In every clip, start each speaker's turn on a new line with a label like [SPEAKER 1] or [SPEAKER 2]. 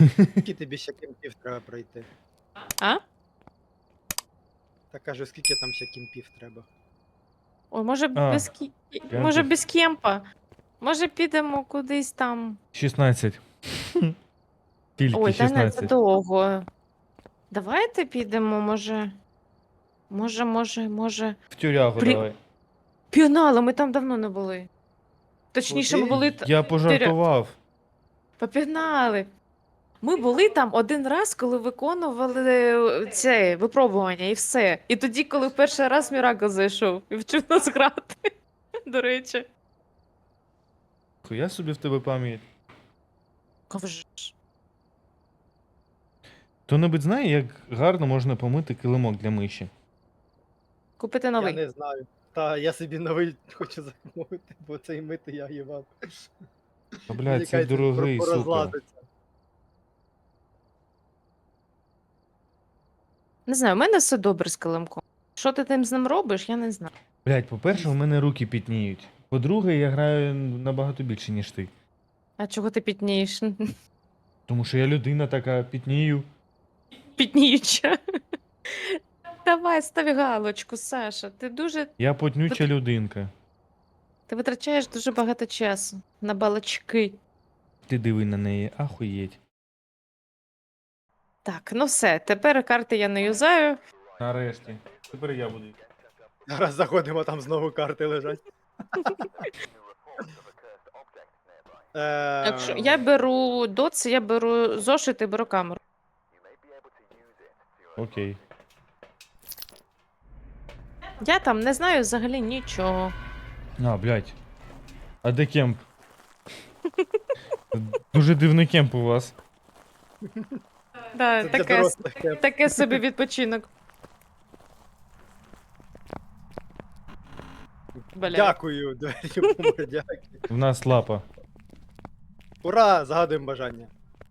[SPEAKER 1] Скільки тобі ще кемпів треба пройти?
[SPEAKER 2] А?
[SPEAKER 1] Та кажу, скільки там ще кемпів треба?
[SPEAKER 2] Ой, може
[SPEAKER 3] А,
[SPEAKER 2] без може
[SPEAKER 3] кемпів.
[SPEAKER 2] без кемпа. Може підемо кудись там.
[SPEAKER 3] 16. Тільки
[SPEAKER 2] Ой, та не, це
[SPEAKER 3] 16.
[SPEAKER 2] довго. Давайте підемо, може.
[SPEAKER 3] В тюрягу
[SPEAKER 2] Блін.
[SPEAKER 3] давай.
[SPEAKER 2] Піонала, ми там давно не були. Точніше, ми
[SPEAKER 1] Куди?
[SPEAKER 2] були.
[SPEAKER 3] Я пожартував.
[SPEAKER 2] Попігнали. Ми були там один раз, коли виконували це випробування і все. І тоді, коли перший раз Мірако зайшов і вчив нас грати. До речі.
[SPEAKER 3] Я собі в тебе пам'ять.
[SPEAKER 2] Ковж.
[SPEAKER 3] Хто-небудь знає, як гарно можна помити килимок для миші?
[SPEAKER 2] Купити
[SPEAKER 1] Я
[SPEAKER 2] новий.
[SPEAKER 1] не знаю. Та я собі новий хочу замовити, бо цей мити я їбав.
[SPEAKER 3] Та, блядь, це дорогий, сука.
[SPEAKER 1] порозлазиться.
[SPEAKER 2] Не знаю, у мене все добре з килимком. Що ти тим з ним робиш, я не знаю.
[SPEAKER 3] Блядь, по-перше, у мене руки пітніють. По-друге, я граю набагато більше, ніж ти.
[SPEAKER 2] А чого ти пітнієш?
[SPEAKER 3] Тому що я людина така, пітнію.
[SPEAKER 2] Пітніюча. Давай, став галочку, Саша.
[SPEAKER 3] Я потнюча людинка.
[SPEAKER 2] Ти витрачаєш дуже багато часу на балачки.
[SPEAKER 3] Ти диви на неї, ахуєть.
[SPEAKER 2] Так, ну все, тепер карти я не юзаю.
[SPEAKER 3] Нарешті. Тепер я буду.
[SPEAKER 1] Зараз заходимо, там знову карти лежать.
[SPEAKER 2] Якщо я беру доц, я беру зошит і беру камеру.
[SPEAKER 3] Окей.
[SPEAKER 2] Я там не знаю взагалі нічого.
[SPEAKER 3] А, блядь. А де кемп? Дуже дивний кемп у вас.
[SPEAKER 2] Да,
[SPEAKER 1] Це для дорослих кемп.
[SPEAKER 2] таке собі відпочинок. Бля.
[SPEAKER 1] Дякую, двері помер, дякую.
[SPEAKER 3] В нас лапа.
[SPEAKER 1] Ура! Загадуємо бажання.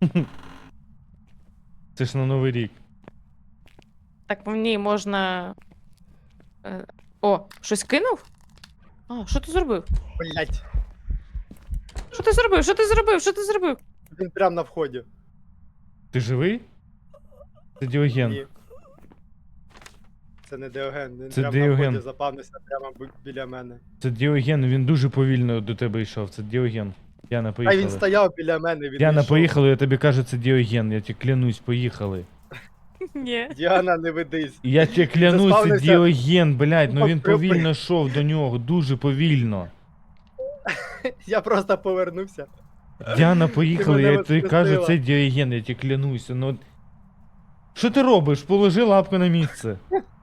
[SPEAKER 3] Це ж на Новий рік.
[SPEAKER 2] Так мені можна. О, щось кинув? А, що ти зробив?
[SPEAKER 1] Блять,
[SPEAKER 2] Що ти зробив? Що ти зробив? Що ти зробив?
[SPEAKER 1] він прям на вході.
[SPEAKER 3] Ти живий? Це Діоген.
[SPEAKER 1] Ні. Це не Діоген, він
[SPEAKER 3] Це
[SPEAKER 1] прям
[SPEAKER 3] Діоген.
[SPEAKER 1] на вході запавнився прямо біля мене.
[SPEAKER 3] Це Діоген, він дуже повільно до тебе йшов. Це Діоген. Яна,
[SPEAKER 1] А
[SPEAKER 3] поїхали.
[SPEAKER 1] він стояв біля мене, він
[SPEAKER 3] Яна,
[SPEAKER 1] йшов.
[SPEAKER 3] поїхали, я тобі кажу, це Діоген. Я тебе клянусь, поїхали.
[SPEAKER 2] Ні.
[SPEAKER 1] Діана, не ведись.
[SPEAKER 3] Я тебе клянусь, це
[SPEAKER 1] заспавнився.
[SPEAKER 3] Діоген, блядь, ну він
[SPEAKER 1] Покрив-
[SPEAKER 3] повільно йшов до нього, дуже повільно.
[SPEAKER 1] Я просто повернувся.
[SPEAKER 3] Діана, поїхали,
[SPEAKER 1] мене
[SPEAKER 3] я тобі кажу,
[SPEAKER 1] воскресила.
[SPEAKER 3] це Діоген, я тебе клянуся, ну... Що ти робиш? Положи лапку на місце.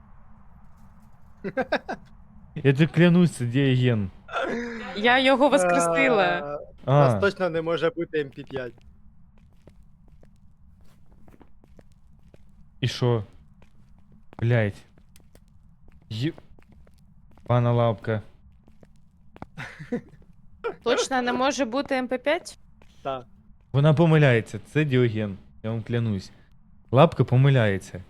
[SPEAKER 3] Я тебе клянусь, це Діоген.
[SPEAKER 2] Я його воскресила.
[SPEAKER 1] У нас
[SPEAKER 3] А,
[SPEAKER 1] точно не може бути МП5.
[SPEAKER 3] і що? Блядь. Пана лапка.
[SPEAKER 2] Точно не може бути МП5?
[SPEAKER 1] Так.
[SPEAKER 3] Вона помиляється, це Діоген, я вам клянусь. Лапка помиляється.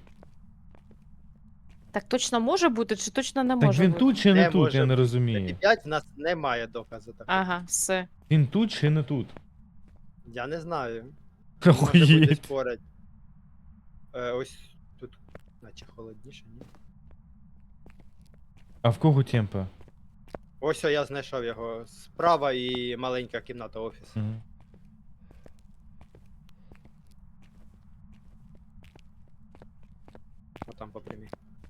[SPEAKER 2] Так точно може бути, чи точно не
[SPEAKER 3] Так
[SPEAKER 2] може
[SPEAKER 3] він
[SPEAKER 2] бути?
[SPEAKER 3] тут чи не
[SPEAKER 1] Не
[SPEAKER 3] тут,
[SPEAKER 1] може
[SPEAKER 3] я не
[SPEAKER 1] бути.
[SPEAKER 3] розумію.
[SPEAKER 1] МП5 в нас немає доказу такого.
[SPEAKER 2] Ага, все.
[SPEAKER 3] Він тут чи не тут?
[SPEAKER 1] Я не знаю. Може бути
[SPEAKER 3] Охуєть.
[SPEAKER 1] спорять. Ось тут, наче холодніше, ні?
[SPEAKER 3] А в кого темпа?
[SPEAKER 1] Ось я знайшов його. Справа і маленька кімната офісу.
[SPEAKER 3] Угу.
[SPEAKER 1] Отам по прямій.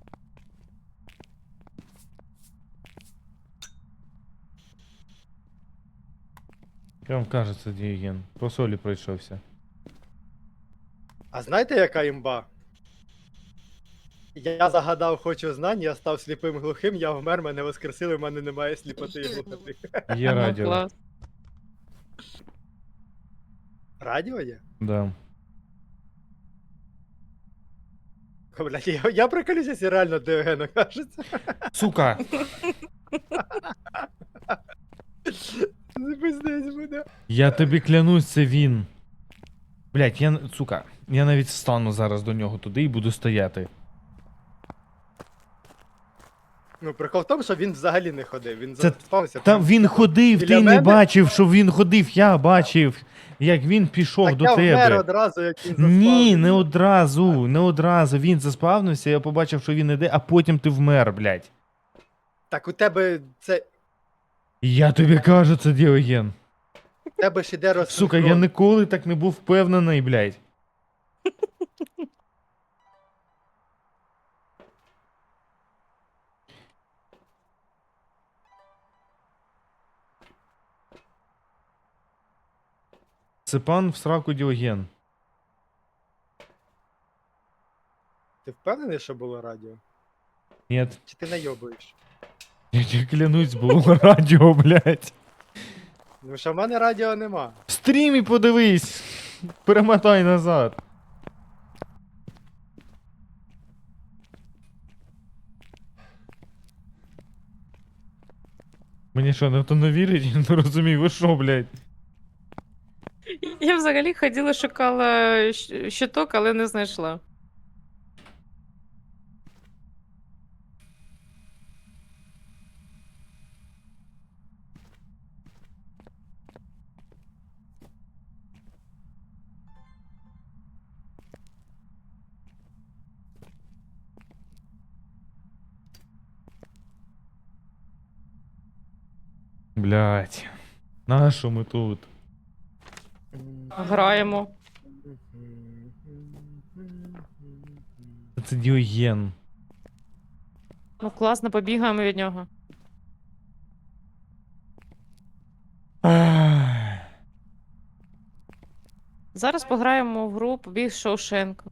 [SPEAKER 3] Я вам кажу, це Діоген. По солі пройшовся.
[SPEAKER 1] А знаєте, яка імба? Я загадав хочу знань, я став сліпим глухим, я вмер, мене воскресили, в мене немає сліпоти і глухоти.
[SPEAKER 3] Є
[SPEAKER 2] Ага,
[SPEAKER 3] радіо.
[SPEAKER 2] клас.
[SPEAKER 1] Радіо є?
[SPEAKER 3] Да.
[SPEAKER 1] Блядь, я приколюся, якщо реально Діоген окажеться.
[SPEAKER 3] Сука!
[SPEAKER 1] Не пиздець буде.
[SPEAKER 3] Я тобі клянусь, це він. Блять, сука, я навіть встану зараз до нього туди і буду стояти.
[SPEAKER 1] Ну, прикол в тому, що він взагалі не ходив, він
[SPEAKER 3] Це-
[SPEAKER 1] заспався.
[SPEAKER 3] Там він ходив,
[SPEAKER 1] Біля
[SPEAKER 3] ти не
[SPEAKER 1] мене?
[SPEAKER 3] бачив, що він ходив, я бачив. як він пішов
[SPEAKER 1] Так
[SPEAKER 3] до
[SPEAKER 1] я вмер
[SPEAKER 3] тебе.
[SPEAKER 1] одразу, як він
[SPEAKER 3] Ні, не
[SPEAKER 1] заспавнився.
[SPEAKER 3] одразу. Він заспавнився, я побачив, що він іде, а потім ти вмер, блядь.
[SPEAKER 1] Так у тебе це...
[SPEAKER 3] Я тобі кажу, це Діоген.
[SPEAKER 1] У тебе ж іде
[SPEAKER 3] Сука, я
[SPEAKER 1] розсинхрон.
[SPEAKER 3] ніколи так не був впевнений, блядь. Це пан в сраку Діоген.
[SPEAKER 1] Ти впевнений, що було радіо?
[SPEAKER 3] Ні,
[SPEAKER 1] Чи ти найобуєш?
[SPEAKER 3] я тебе клянусь, було радіо, блядь.
[SPEAKER 1] Ну що в мене радіо нема.
[SPEAKER 3] В стрімі подивись. Перемотай назад. Мені що, ніхто не вірить? Я не розумію, ви що, блядь?
[SPEAKER 2] Я взагалі ходила, шукала щиток, але не знайшла.
[SPEAKER 3] Блядь. На що ми тут?
[SPEAKER 2] Граємо.
[SPEAKER 3] Це Діоген.
[SPEAKER 2] Ну класно, побігаємо від нього.
[SPEAKER 3] Ах.
[SPEAKER 2] Зараз пограємо в гру Побіг Шоушенка.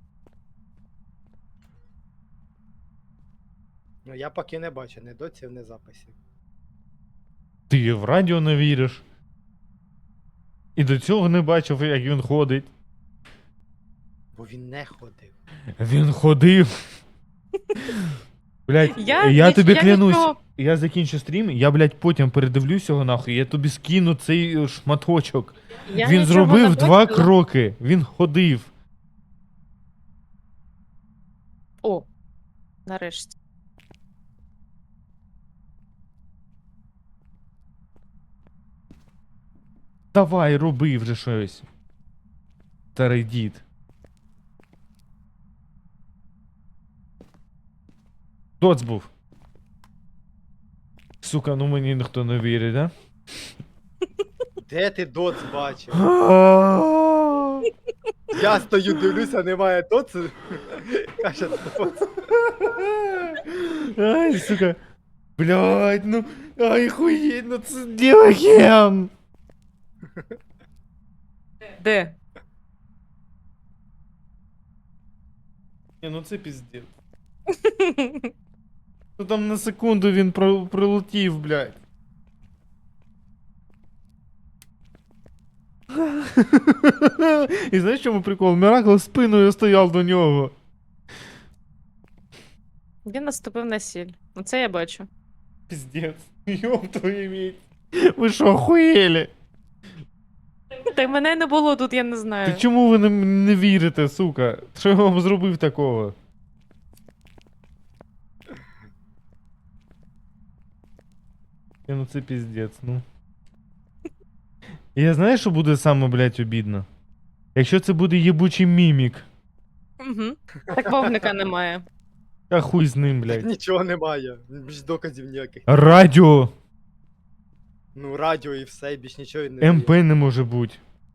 [SPEAKER 1] Ну я поки не бачу ні доців, ні записів.
[SPEAKER 3] Ти в радіо не віриш. І до цього не бачив, як він ходить.
[SPEAKER 1] Бо він не ходив.
[SPEAKER 3] Він ходив. Блядь,
[SPEAKER 2] Я
[SPEAKER 3] я тобі клянусь.
[SPEAKER 2] нічого-
[SPEAKER 3] Я закінчу стрім, я, блядь, потім передивлюсь його нахуй, я тобі скину цей шматочок.
[SPEAKER 2] Я
[SPEAKER 3] Він
[SPEAKER 2] нічого
[SPEAKER 3] зробив
[SPEAKER 2] не
[SPEAKER 3] 2
[SPEAKER 2] бачила.
[SPEAKER 3] кроки. Він ходив.
[SPEAKER 2] О, нарешті.
[SPEAKER 3] Давай, роби вже щось. Старий дід. Доц був. Сука, ну мені ніхто не вірить, да?
[SPEAKER 1] Де ти доц бачив? Я стою, дивлюся, немає доц. Каже, доц.
[SPEAKER 3] Ай, сука. Блядь, ну. Ай, хуєть, ну це Діоген.
[SPEAKER 2] Де?
[SPEAKER 3] Ні, ну це піздець. Ну там на секунду він прилетів, блядь. І знаєш, в чому прикол? Міракл спиною стояв до нього.
[SPEAKER 2] Він наступив на сіль. Оце я бачу.
[SPEAKER 3] Піздець. Ёб твою мать. Ви що, охуєлі?
[SPEAKER 2] Та й мене не було тут, я не знаю.
[SPEAKER 3] Так чому ви не вірите, сука? Що я вам зробив такого? Ну це піздець, ну. І я знаю, що буде саме, блядь, обідно? Якщо це буде єбучий мімік.
[SPEAKER 2] Угу. Так вовника немає.
[SPEAKER 3] А хуй з ним,
[SPEAKER 1] Так
[SPEAKER 3] блядь.
[SPEAKER 1] нічого немає. Більш доказів ніяких.
[SPEAKER 3] Радіо!
[SPEAKER 1] Ну, радіо і все, більш нічого і не
[SPEAKER 3] МП
[SPEAKER 1] дає.
[SPEAKER 3] не може бути.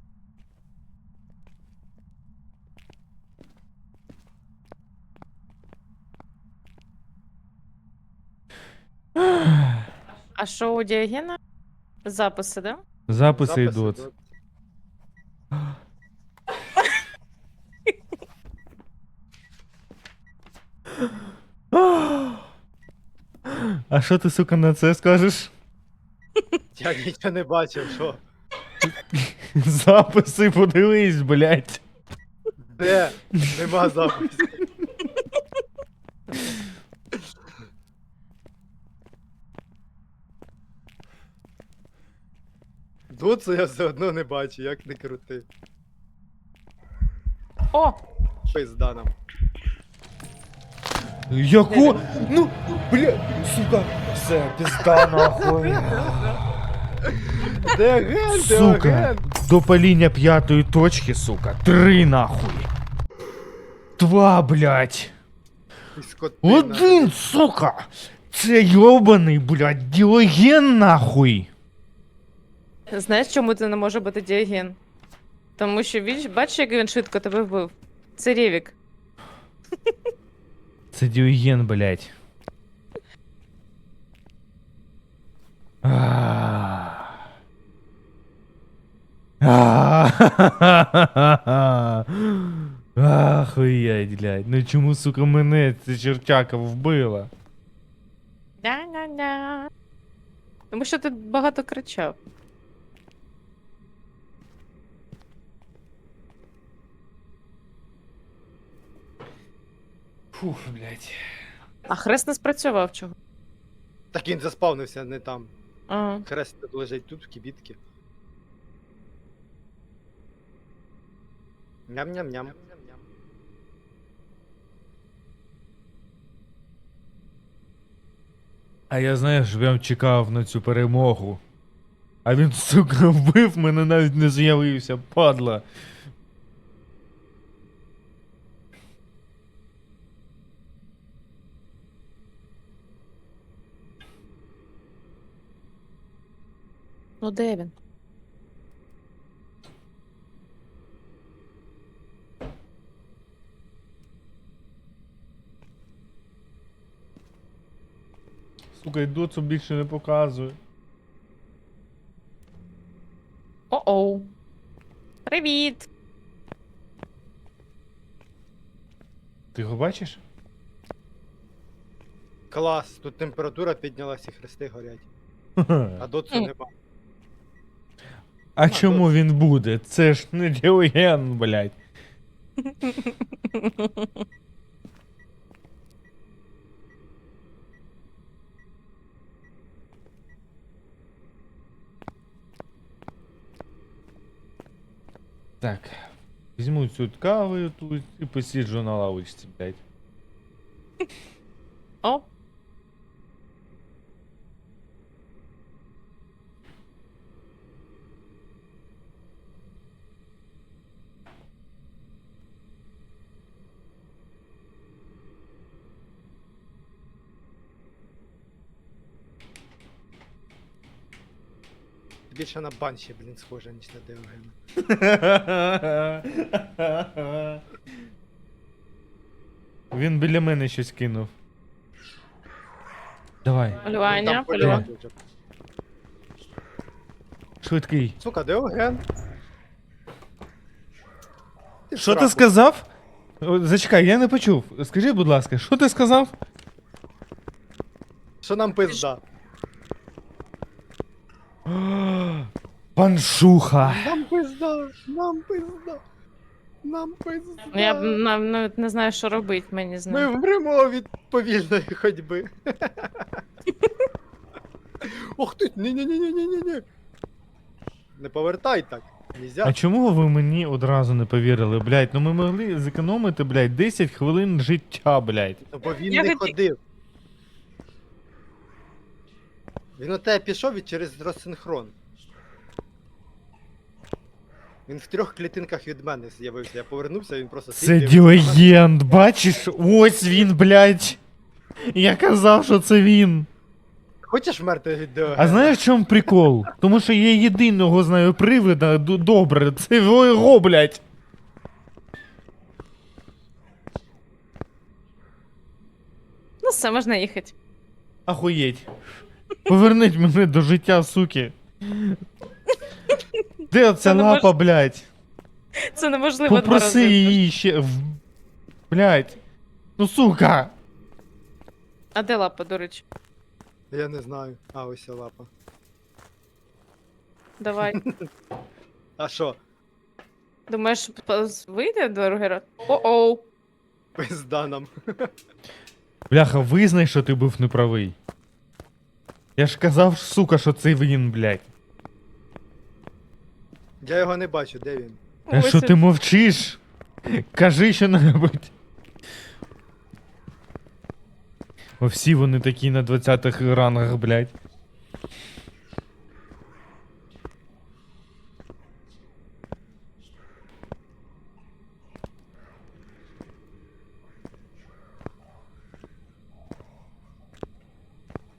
[SPEAKER 2] А що у Діогена? Записи, да?
[SPEAKER 3] Записи
[SPEAKER 1] Записи
[SPEAKER 3] йдуть.
[SPEAKER 1] доц.
[SPEAKER 3] А що ти, сука, на це скажеш?
[SPEAKER 1] Я нічого не бачив, що?
[SPEAKER 3] Записи подивись, блядь.
[SPEAKER 1] Де? Нема записів. Доцу я все одно не бачу, як не крути.
[SPEAKER 2] О!
[SPEAKER 1] Пизда нам.
[SPEAKER 3] Яку? Ну, бля, сука, все, пізда нахуй.
[SPEAKER 1] Де ген? Де
[SPEAKER 3] Сука.
[SPEAKER 1] ген?
[SPEAKER 3] До паління 5-ї точки, сука. 3 нахуй. 2, блядь.
[SPEAKER 1] Ти скотина.
[SPEAKER 3] 1, сука. Це йобаний, блядь, Діоген нахуй.
[SPEAKER 2] Знаєш, чому це не може бути Діоген? Тому що він, бачиш, як він швидко тебе вбив? Це Рєвік.
[SPEAKER 3] Це Діоген, блядь. Ахуєть, блядь. Ну чому, сука, мене ця чертяка вбила?
[SPEAKER 2] Ня-ня-ня. Тому що ти багато кричав.
[SPEAKER 3] Фух, блядь.
[SPEAKER 2] А хрест не спрацював чого?
[SPEAKER 1] Так він заспавнився не там.
[SPEAKER 2] А.
[SPEAKER 1] Хрест тут лежить тут, в кібітки. Ням-ням-ням.
[SPEAKER 3] А я, знаєш, прям чекав на цю перемогу. А він, сука, вбив мене, навіть не з'явився, падла.
[SPEAKER 2] Ну де він?
[SPEAKER 3] Сука, і доцу більше не показує.
[SPEAKER 2] О-оу. Привіт!
[SPEAKER 3] Ти його бачиш?
[SPEAKER 1] Клас, тут температура піднялась і хрести горять. А доцу нема.
[SPEAKER 3] А чому він буде? Це ж не Діоген, блядь. Так. Візьму цю каву тут і посиджу на лавочці, блядь.
[SPEAKER 2] О,
[SPEAKER 1] Більше на банші, блін, схоже, ніж на Деогена.
[SPEAKER 3] Він біля мене щось кинув. Давай,
[SPEAKER 2] полювання,
[SPEAKER 1] Там
[SPEAKER 2] полювання.
[SPEAKER 1] полювати вже.
[SPEAKER 3] швидкий.
[SPEAKER 1] Сука, Деоген. в
[SPEAKER 3] Що ти
[SPEAKER 1] сраку.
[SPEAKER 3] сказав? О, зачекай, я не почув. Скажи, будь ласка, що ти сказав?
[SPEAKER 1] Що нам пизда?
[SPEAKER 3] Паншуха.
[SPEAKER 1] Нам пизда, нам пизда. Нам пизда.
[SPEAKER 2] Ну, я навіть не знаю, що робити мені з
[SPEAKER 1] Ми
[SPEAKER 2] ним.
[SPEAKER 1] вмремо від повільної ходьби. Ох ти, ні-ні-ні-ні-ні-ні. Не повертай так. Нельзя.
[SPEAKER 3] А чому ви мені одразу не повірили, блядь? Ну ми могли зекономити, блядь, 10 хвилин життя, блядь.
[SPEAKER 1] Ну, бо він
[SPEAKER 2] Я
[SPEAKER 1] не
[SPEAKER 2] хотів-
[SPEAKER 1] ходив. Він у тебе пішов і через розсинхрон. Він в 3 клітинках від мене з'явився. Я повернувся, він просто
[SPEAKER 3] Це
[SPEAKER 1] сидів, дивився.
[SPEAKER 3] Діоген, бачиш? Ось він, блядь. Я казав, що це він.
[SPEAKER 1] Хочеш вмерти від Деогена?
[SPEAKER 3] А знаєш в чому прикол? Тому що я єдиного знаю привида добре, це його, блядь.
[SPEAKER 2] Ну все, можна їхати.
[SPEAKER 3] Ахуєть. Поверніть мене до життя, суки. Де оця
[SPEAKER 2] не
[SPEAKER 3] лапа, блядь?
[SPEAKER 2] Це неможливо 2
[SPEAKER 3] Попроси
[SPEAKER 2] рази.
[SPEAKER 3] її ще. Блядь. Ну сука.
[SPEAKER 2] А де лапа, до речі?
[SPEAKER 1] Я не знаю. А, ось ця лапа.
[SPEAKER 2] Давай.
[SPEAKER 1] А що?
[SPEAKER 2] Думаєш, вийде другий раз? О-оу.
[SPEAKER 1] Пизда нам.
[SPEAKER 3] Бляха, визнай, що ти був неправий. Я ж казав, сука, що це він, блядь.
[SPEAKER 1] Я його не бачу, де він?
[SPEAKER 3] А що ти мовчиш? Кажи що-небудь. О, всі вони такі на 20-х рангах, блядь.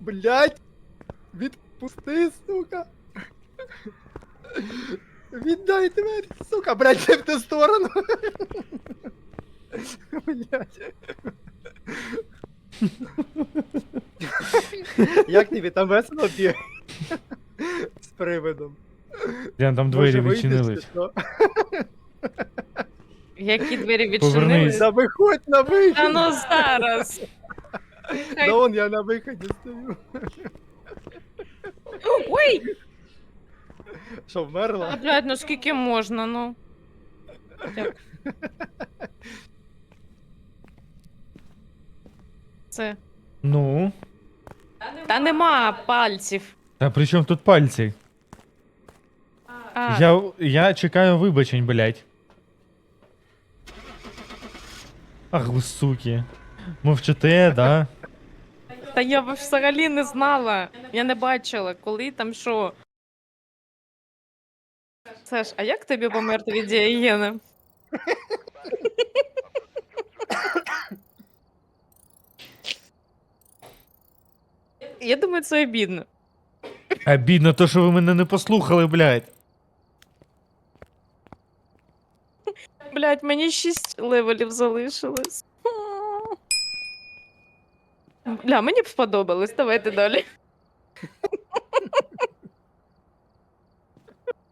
[SPEAKER 1] Блять! Відпусти, сука! Віддай двері, сука, блять, не в ту сторону! Блять. Як тобі там весело б'є? З привидом.
[SPEAKER 3] Діан, там двері
[SPEAKER 1] Може, вийдеш чи
[SPEAKER 3] відчинились.
[SPEAKER 1] що?
[SPEAKER 2] Які двері
[SPEAKER 3] Повернись.
[SPEAKER 2] відчинились?
[SPEAKER 1] Да виходь на вихід!
[SPEAKER 2] Та ну зараз.
[SPEAKER 1] Да вон я на виході стою.
[SPEAKER 2] Ой!
[SPEAKER 1] Що, вмерла?
[SPEAKER 2] А, блядь, ну скільки можна, ну. Дякую. Це.
[SPEAKER 3] Ну.
[SPEAKER 2] Та нема пальців.
[SPEAKER 3] А при чому тут пальці?
[SPEAKER 2] А,
[SPEAKER 3] Я чекаю вибачень, блядь. Ах, ви суки. Мовчите, да?
[SPEAKER 2] та я взагалі не знала. Я не бачила, коли там що. Саш, а як тобі померти від дієни? Я думаю, це обідно.
[SPEAKER 3] Обідно то, що ви мене не послухали, блядь.
[SPEAKER 2] Блять, мені 6 левелів залишилось. Бля, мені б сподобалось, давайте далі.